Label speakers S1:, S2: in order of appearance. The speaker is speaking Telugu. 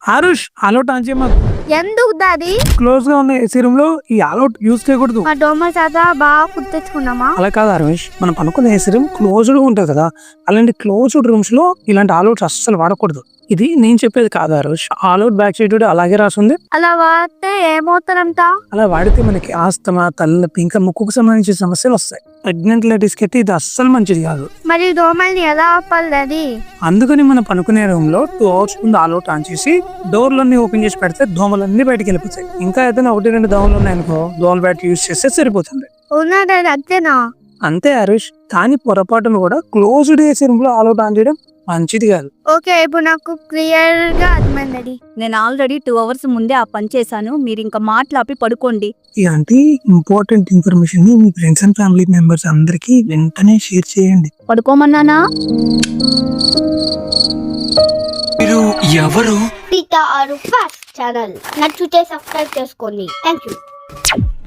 S1: Aarush all out on చేయమా.
S2: ఎందుకు దాది
S1: క్లోజ్ గా ఉన్న ఏసీ రూమ్ లో ఈ ఆల్అౌట్ యూజ్ చేయకూడదు.
S2: మా దోమ చేత బాగా కుట్టించుకున్నామా?
S1: అలా కాదు ఆరుష్, మనం పనుకున్న ఏసీ రూమ్ క్లోజ్డ్ గా ఉంటది కదా, అలాంటి క్లోజ్డ్ రూమ్స్ లో ఇలాంటి ఆల్అౌట్స్ అస్సలు వాడకూడదు. ఇది నేను చెప్పేది కాదు ఆరుష్, ఆల్అౌట్ బ్యాక్ సైడ్ అలాగే రాసింది.
S2: అలా వాడితే ఏమవుతారంట?
S1: అలా వాడితే మనకి ఆస్తమా, తలనొప్పి, ఇంకా ముక్కుకు సంబంధించిన సమస్యలు వస్తాయి. ప్రెగ్నెంట్ లేడీస్ కి అయితే ఇది అస్సలు మంచిది కాదు.
S2: మరి దోమల్ని ఎలా ఆపాలి దాది?
S1: అందుకని మనం పనుకునే రూమ్ లో 2 hours ముందు ఆల్అౌట్ ఆన్ చేసి డోర్లన్నీ ఓపెన్ చేసి పెడితే దోమలన్నీ బయటకు వెళ్ళిపోతాయి. ఇంకా ఏదైనా 1-2 దోమలు ఉన్నాయనుకో, దోమల బ్యాట్ యూజ్ చేస్తే సరిపోతుంది.
S2: అవునా దాది? అంతేనా?
S1: అంతే హరీష్, కానీ పొరపాటును కూడా క్లోజ్డ్ ఏసీ రూమ్ లో ఆల్అౌట్ ఆన్ చేయడం మంచిది కాదు.
S2: ఓకే, ఇప్పుడు నాకు క్లియర్ గా అర్థమైంది.
S3: నేను ఆల్రెడీ 2 hours ముందే ఆ పని చేశాను. మీరు ఇంకా మాట్లాపి పడుకోండి.
S1: ఇలాంటి ఇంపార్టెంట్ ఇన్ఫర్మేషన్ ని మీ ఫ్రెండ్స్ అండ్ ఫ్యామిలీ మెంబర్స్ అందరికి వెంటనే షేర్ చేయండి.
S3: పడుకోమన్నానా?
S1: మీరు ఎవరు?
S2: ఛానల్ నచ్చితే సబ్స్క్రైబ్ చేసుకోండి. Thank you.